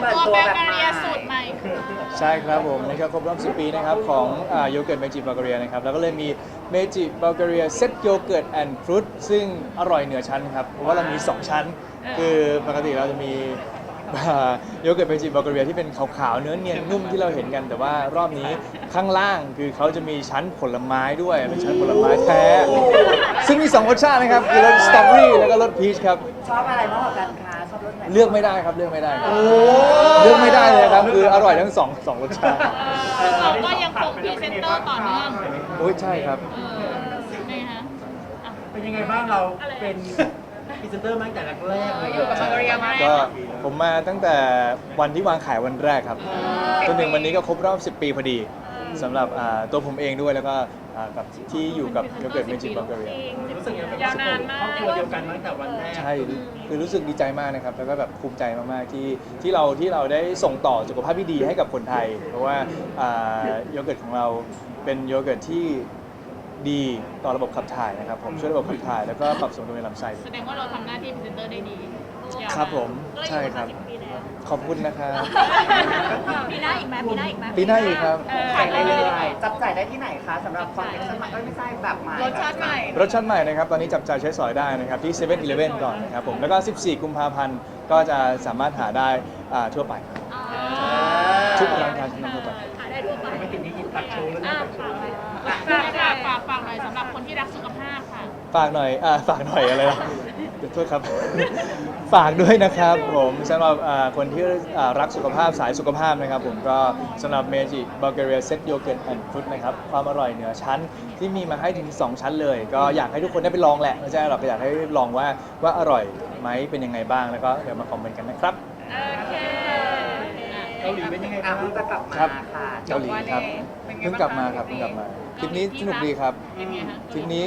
ตัวแบเกอรี่สูตรใหม่ใช่ครับผมนี่ก็ครบรอบ10 ปีนะครับของโยเกิร์ตเมจิบัลแกเรียนะครับแล้วก็เลยมีเมจิบัลแกเรียเซตโยเกิร์ตแอนด์ฟรุตซึ่งอร่อยเหนือชั้นครับเพราะว่าเรามี 2 ชั้น คือปกติเราจะมีโยเกิร์ตเมจิบัลแกเรียที่เป็นขาวๆเนื้อเนียนนุ่มที่เราเห็นกัน แต่ว่ารอบนี้ข้างล่างคือเขาจะมีชั้นผลไม้ด้วยเป็นชั้นผลไม้แท้ซึ่งมี 2 รสชาตินะครับคือรสสตรอเบอรี่แล้วก็รสพีชครับชอบอะไรมากกว่ากันคะชอบรสไหนเลือกไม่ได้ครับเลือกไม่ได้ครับเลือกไม่ได้เลยครับคืออร่อยทั้งสองรสชาติเราก็ยังคงพรีเซนเตอร์ต่อเนื่องโอ้ยใช่ครับนี่ฮะเป็นยังไงบ้างเราเป็นพรีเซนเตอร์มาตั้งแต่แรกเลยอยู่กับบัลแกเรียมาก็ผมมาตั้งแต่วันที่วางขายวันแรกครับจนถึงวันนี้ก็ครบรอบ 10 ปีพอดีสำหรับตัวผมเองด้วยแล้วก็กับที่อยู่กับโยเกิร์ตเมจิบัลแกเรียรู้สึกยังไงเป็นครอบครัวเดียวกันมาตั้งแต่วันแรกใช่คือรู้สึกดีใจมากนะครับแล้วก็แบบภูมิใจมากๆที่เราได้ส่งต่อสุขภาพที่ดีให้กับคนไทย เพราะว่าโยเกิร์ตของเราเป็นโยเกิร์ตที่ดีต่อระบบขับถ่ายนะครับผมช่วยระบบขับถ่ายแล้วก็ปรับสมดุลในลำไส้แสดงว่าเราทำหน้าที่พรีเซนเตอร์ได้ดีครับผมใช่ครับขอบคุณนะครับปีหน้าอีกไหมปีหน้าอีกไหมปีหน้าอีกครับขายได้เลยจับจ่ายได้ที่ไหนคะสำหรับคอนเทนต์สมัยไม่ใช่แบบใหม่รสชาติใหม่รสชาติใหม่นะครับ ตอนนี้จับจ่ายใช้สอยได้นะครับ ที่7 e เ e ่ e ก่อนนะครับผม แล้วก็ 14 กุมภาพันธ์ก็จะสามารถหาได้ทั่วไปครับทุกร้านค้าชั้นนำทั่วไปหาได้ทั่วไปไม่ติดนี้ตัดโชว์แล้วนะฝากหน่อยสำหรับคนที่รักสุขภาพค่ะฝากหน่อยฝากหน่อยอะไรนะเดี๋ยวโทษครับ ฝากด้วยนะครับผมสำหรับคนที่รักสุขภาพสายสุขภาพนะครับผมก็สำหรับเมจิบัลแกเรียเซตโยเกิร์ตแอนด์ฟรุตนะครับความอร่อยเหนือชั้นที่มีมาให้ถึง 2 ชั้นเลย ก็อยากให้ทุกคนได้ไปลองแหละไม่ใช่หรอกก็อยากให้ลองว่าอร่อยไหมเป็นยังไงบ้างแล้วก็เดี๋ยวมาคอมเมนต์กันนะครับโอเคเกาหลีเป็นยังไงอ่ะบ้างเพิ่งจะกลับมาครับค่ะเกาหลีครับเพิ่งกลับมาครับเพิ่งกลับมาทริปนี้สนุกดีครับเป็นไงคะทริปนี้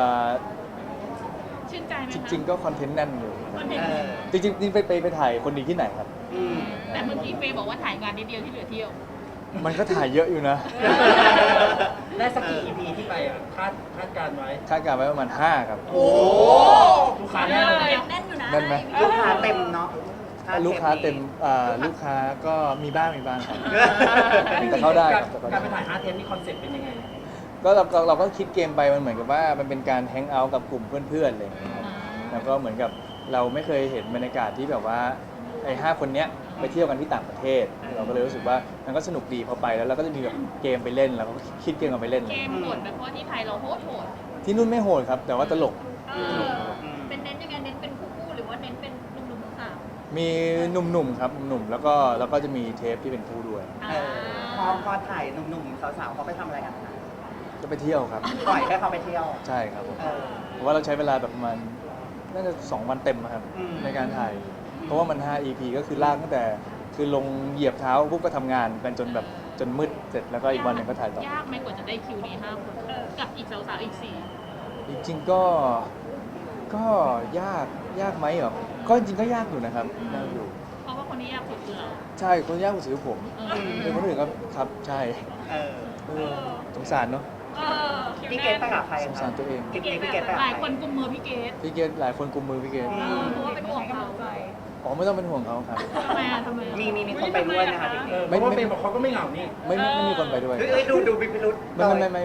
ชื่นใจไหมจคะริง ๆ ก็คอนเทนต์แน่นอยู่คอนเทนต์จริงๆนี่ไปถ่ายคนดีที่ไหนครับแต่เมื่อกี้เฟย์บอกว่าถ่ายงานนิดเดียวที่เหลือเที่ยวมันก็ถ่ายเยอะอยู่นะได้สักกี่ EP ที่ไปอ่ะคาดการไว้คาดการณ์ไว้ประมาณ5ครับโอ้ลูกค้าแน่เลยแน่นอยู่นะแน่นไหมลูกค้าเต็มเนาะลูกค้าเต็มลูกค้าก็มีบ้างครับแต่เข้าได้ครับแต่เข้าการได้ไปถ่าย5 เทปนี่คอนเซ็ปต์เป็นยังไงก็เราก็คิดเกมไปมันเหมือนกับว่ามันเป็นการแฮงเอาท์กับกลุ่มเพื่อนๆอะไรอย่างเลยครับแล้วก็เหมือนกับเราไม่เคยเห็นบรรยากาศที่แบบว่าไอ้5 คนเนี้ยไปเที่ยวกันที่ต่างประเทศ เราก็เลยรู้สึกว่ามันก็สนุกดีพอไปแล้วเราก็จะมีแบบเกมไปเล่นเราก็คิดเกมกันไปเล่นเกมโหดแบบเพราะที่ไทยเราโหดที่นู่นไม่โหดครับ แต่ว่าตลกเป็นเน้นยังไงเน้นเป็นคู่หรือว่าเน้นเป็นหนุ่มๆสาวมีหนุ่มๆครับหนุ่มๆแล้วก็จะมีเทปที่เป็นคู่ด้วยพอถ่ายหนุ่มๆสาวๆเขาไปทำอะไรกันคะก็ไปเที่ยวครับปล่อยให้เขาไปเที่ยวใช่ครับผมเออเพราะว่าเราใช้เวลาแบบประมาณน่าจะ2 วันเต็มอะครับอืมในการถ่าย เพราะว่ามัน5 EP ก็คือลากตั้งแต่คือลงเหยียบเท้าปุ๊บก็ทำงานกันจนมืดเสร็จแล้วก็อีกวันหนึงก็ถ่ายต่อยากไหมกว่าจะได้คิวนี้5 คนกับอีกสาวๆอีกจริงๆก็ยากไหมเหรอก็จริงๆก็ยากอยู่นะครับยากอยู่ 4เพราะว่าคนนี้ยากสุดคือเราใช่คนยากกว่าสือผมเป็นคนอื่นก็ครับใช่เออสงสารเนาะพี่เกดไปกับใครสงสารตัวเองทริปนี้พี่เกดไปกับหลายใคครนกุมมือพี่เกดพี่เกดหลายคนกุมมือพี่เกดเพราะว่าเป็นห่วงเขาอ๋อไม่ต้องเป็นห่วงเขาครับทำไมทำไมมีคนไปด้วยนะคะทริปนี้เพราะว่าเป็นบอกเขาก็ไม่เหงานี่ไม่มีคนไปด้วยเฮ้ยดูมีพิรุษไม่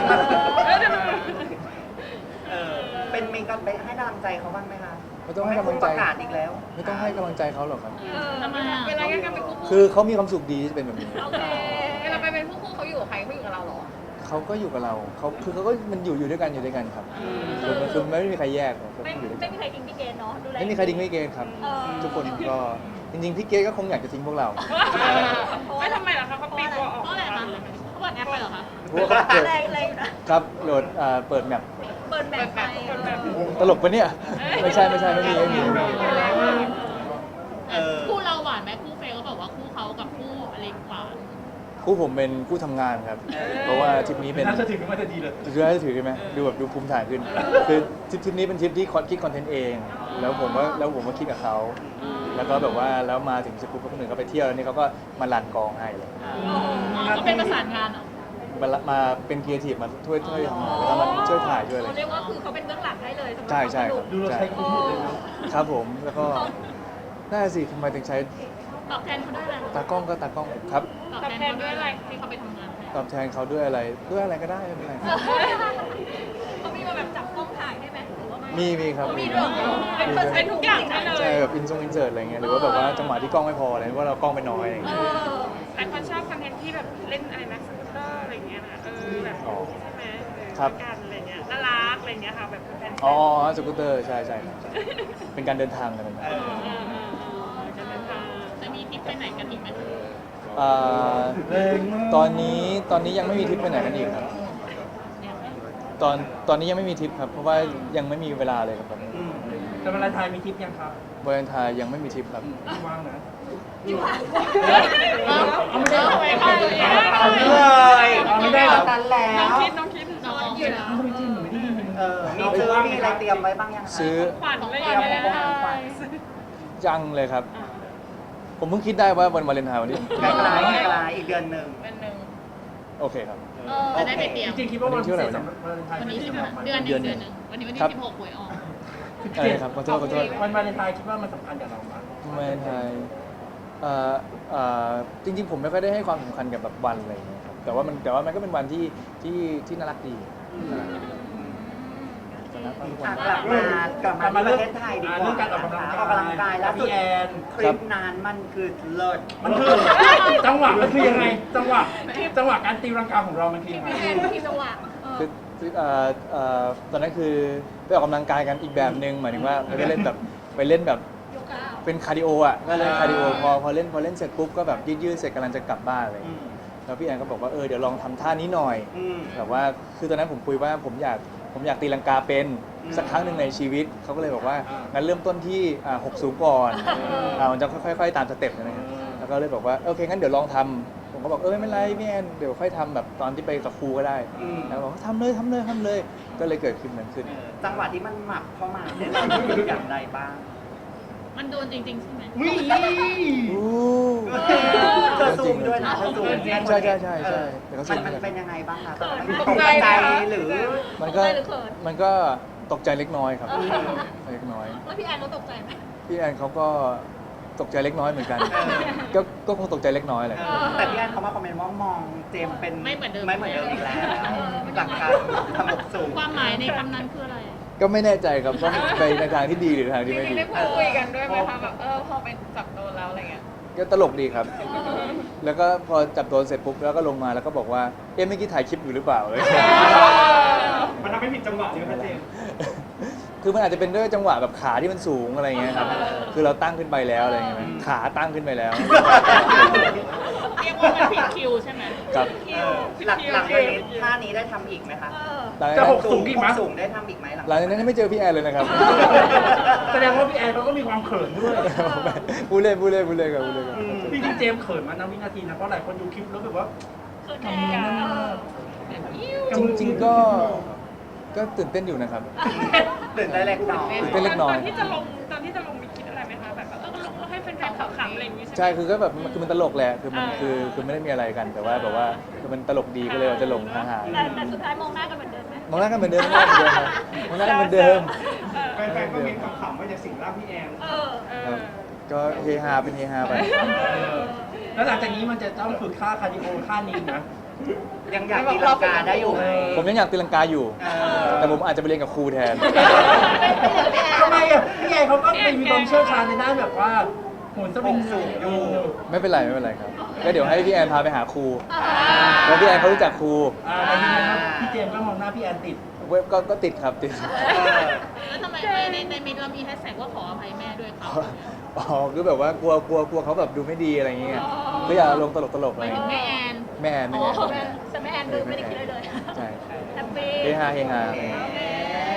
เออเป็นมีกันไปให้กำลังใจเขาบ้างไหมคะไม่ต้องให้กำลังใจประกาศอีกแล้วไม่ต้องให้กำลังใจเขาหรอกครับทำไมเวลาแยกกันเป็นคู่คือเขามีความสุขดีที่จะเป็นแบบนี้โอเคเวลาไปเป็นคู่เขาอยู่กับใครเขาอยู่กับเราหรอเขาก็อยู่กับเราเขาก็มันอยู่ด้วยกันครับคือไม่มีใครแยกหรอกก็ไม่อยู่ด้วยไม่กันมีใครทิ้งพี่เกดเนาะดูแลไม่มีใครทิ้งไม่เกณฑ์ครับ ทุกคนก็จริงๆพี่เกณฑ์ก็คงอยากจะทิ้งพวกเราไม่ทำไมล่ะคะเขาปีตัวออกเพราะอะไรคะเขาเปิดแอปไปเหรอคะเพราะว่าเขาเปิดครับโหลดเปิดแมปเปิดแบบไปตลกปะเนี่ยไม่ใช่ไม่มีคู่เราหวานไหมคู่เฟย์ก็บอกว่าคู่เขากับคู่อเล็กหวานคู่ผมเป็นคู่ทำงานครับ เพราะว่าทริปนี้เป็นน่าจะถึงมันจะดีเลยคือน่าจะถือใช่ไหมดูแบบดูภูมิฐานขึ้น คือทริปนี้เป็นทริปที่คิดคอนเทนต์เอง แล้วผมก็คิดกับเขา แล้วก็แบบว่าแล้วมาถึงสกุลคนอื่นก็ไปเที่ยวแล้วนี่เขาก็มารันกองให้เลยก็เป็นประสานงานเหรอมาเป็นครีเอทีฟมาช่วยทำงานแล้วก็มาช่วยถ่ายช่วยอะไรเรียกว่าคือเขาเป็นเบื้องหลังให้เลยใช่ครับดูเราใช่ใช้คุ้มหมดเลยนะครับผมแล้วก็น่าสิทำไมถึงใช้ตอบแทนเขาด้วยอะไรตากล้องก็ตากล้องครับตอบแทนเขาด้วยอะไรที่เขาไปทำงานให้ตอบแทนเขาด้วยอะไรก็ได้ไม่เป็นไรเขามีมาแบบจับกล้องถ่ายได้ไหมหรือว่าไม่มีครับมีด้วยเหรอเป็นทุกอย่างได้เลยใช่แบบอินเสิร์ตอะไรเงี้ยหรือว่าแบบว่าจังหวะที่กล้องไม่พออะไรว่าเรากล้องไปน้อยอะไรเงี้ยหลายคนชอบคอนเทนต์ที่แบบเล่นอะไรนะสกูตเตอร์อะไรเงี้ยนะแบบอ๋อใช่ไหมครับกันอะไรเงี้ยน่ารักอะไรเงี้ยค่ะแบบแฟนๆอ๋อสกูตเตอร์ใช่ครับเป็นการเดินทางกันนะจะเดินทางจะมีทริปไปไหนกันอีกไหมอ่าตอนนี้ยังไม่มีทริปไปไหนกันอีกครับตอนนี้ยังไม่มีทริปครับเพราะว่ายังไม่มีเวลาเลยครับแต่วาเลนไทน์มีทริปยังครับวาเลนไทน์ยังไม่มีทริปครับว่างนะเอาไม่ได้เอาไม่ได้เอาเลยเอาไม่ได้เหรอตันแล้วน้องคิดน้องอยู่นะทำไมจริงหนูไม่ได้ยินมีอะไรเตรียมไว้บ้างยังคะซื้อขวัญอะไรเตอรียย่าม งเงี้ยของขวัญยังเลยครับ ผมเพิ่งคิดได้ว่าวันวาเลนไทน์วันนี้ไกลๆอีกเดือนหนึ่งเป็นหนึ่งโอเคครับจะได้ไปเตรียมจริงๆคิดว่าวันพิเศษสำหรับวาเลนไทน์วันนี้ที่ใช่ไหมสำหรับเดือนหนึ่งวันนี้วันที่ครับ 16หวยออกอะไรครับขอโทษวันวาเลนไทน์คิดว่ามันสำคัญกับเราไหมวาเลนไทน์จริงๆผมไม่ค่อยได้ให้ความสำคัญกับแบบวันอะไรอย่างเงี้ยครับแต่ว่ามันก็เป็นวันที่น่ารักดีน่ารักทุกวันกลับมาที่ประเทศไทยดีกว่าเรื่องการออกกำลังออกกำลังกายแล้วสุดพี่แอนคลิปนั้นมันคือเลิศมันคือจังหวะมันคือยังไงจังหวะการตีรังกาของเรามันคือยังไงพี่แอนพี่จังหวะคือตอนนั้นคือไปออกกำลังกายกันอีกแบบหนึ่งหมายถึงว่าไม่ได้เล่นแบบไปเล่นแบบโยคะเป็นคาร์ดิโออ่ะก็เลยคาร์ดิโอพอเล่นเสร็จปุ๊บก็แบบยืดเสร็จกำลังจะกลับบ้านอะไรอย่างเลยแล้วพี่แอนก็บอกว่าเดี๋ยวลองทำท่านี้หน่อยแบบว่าคือตอนนั้นผมคุยว่าผมอยากตีลังกาเป็นสักครั้งหนึ่งในชีวิตเขาก็เลยบอกว่างั้นเริ่มต้นที่6สูงก่อนมันจะค่อยๆตามสเต็ปนะครับแล้วก็เลยบอกว่าโอเคงั้นเดี๋ยวลองทำผมก็บอกไม่เป็นไรพี่แอนเดี๋ยวค่อยทำแบบตอนที่ไปกับครูก็ได้แล้วบอกว่าทำเลยก็เลยเกิดขึ้นนั้นขึ้นจังหวะที่มันหมับเข้ามาเนี่ยเรารู้สึกอย่างไรบ้างมันโดนจริงๆใช่ไหมเธอซูมด้วยนะเธอซูมใช่แต่ก็ซูมมันเป็นยังไงบ้างคะตอนนั้นตตกกใจใจไหมหรือมันก็ตกใจเล็กน้อยครับเล็กน้อยแล้วพี่แอนเขาตกใจไหมพี่แอนเขาก็ตกใจเล็กน้อยเหมือนกัน ก็คงตกใจเล็กน้อยแหละแต่พี่แอนเขามาคอมเมนต์ว่ามองเจมส์เป็นไม่เหมือนเดิมอีกแล้วหลังการทำหกสูงความหมายในคำนั้นคืออะไรก็ไม่แน่ใจครับว่าไปในทางที่ดีหรือทางที่ไม่ดีได้พูดคุยกันด้วยไหมคะแบบพอเป็นจับโดนแล้วอะไรเงี้ยก็ตลกดีครับ แล้วก็พอจับโดนเสร็จปุ๊บแล้วก็ลงมาแล้วก็บอกว่าเมื่อกี้ถ่ายคลิปอยู่หรือเปล่าเลยมันทำให้ผิดจังหวะใช่ไหมครับเจมส์คือมันอาจจะเป็นด้วยจังหวะแบบขาที่มันสูงอะไรเงี้ยครับ คือเราตั้งขึ้นไปแล้วอะไรเงี้ยขาตั้งขึ้นไปแล้วเรียกว่ามันผิดคิวใช่ไหมครับหลังจากนี้ท่านี้ได้ทำอีกไหมคะหลังจะจากหนั้นกสูงอีกไหมสูงได้ทำอีกไหมหลังจากนั้นยังไม่เจอพี่แอนเลยนะครับแสดงว่าพี่แอนเขาก็มีความเขินด้วยพูดเล่นครับจริงๆเจมส์เขินมาณวินาทีนะเพราะหลายคนดูคลิปแล้วแบบว่าเกิดแอนจริงๆก็ตื่นเต้นอยู่นะครับตื่นได้เล็กน้อยตื่นเต้นเล็กน้อยตอนที่จะลงมีคิดอะไรไหมคะแบบลงให้แฟนๆขำๆอะไรอย่างงี้ใช่ไหมใช่คือก็แบบคือมันตลกแหละคือมันคือไม่ได้มีอะไรกันแต่ว่าแบบว่าคือมันตลกดีก็เลยเราจะลงหาแต่สุดท้ายมองหน้ากันเหมือนเดิมไหมมองหน้ากันเหมือนเดิมมองหน้ากันเหมือนเดิมแฟนๆก็มีขำๆว่าจะสิงร่างพี่แอนครับก็เฮฮาเป็นเฮฮาไปแล้วหลังจากนี้มันจะต้องฝึกค่าคาร์ดิโอค่านี้นะยังอยากตีลังกาได้อยู่ไหมผมยังอยากตีลังกาอยู่ แต่ผมอาจจะไปเรียนกับครูแทนทำไมอ่ะพี่แอนเขาก็มีความเชี่ยวชาญในด้านแบบว่าโหนสวิงสูงอยู่ไม่เป็นไรครับก็เดี๋ยวให้พี่แอนพาไปหาครูแล้วพี่แอนเขารู้จักครูแล้วทีนี้พี่เจมส์ก็มองหน้าพี่แอนติดเว็บก็ติดครับติดแล้วทำไมในมิตรเรามีแฮชแท็กว่าขออภัยแม่ด้วยครับอ๋อคือแบบว่ากลัวเขาแบบดูไม่ดีอะไรอย่างเงี้ยก็อยากลงตลกๆหอะไรมายถึงแม่แอนแม่แอนอ๋อแต่แม่แอนดูไม่ได้คิดเลยเลยใช่แฮปปี้เฮฮาโอเค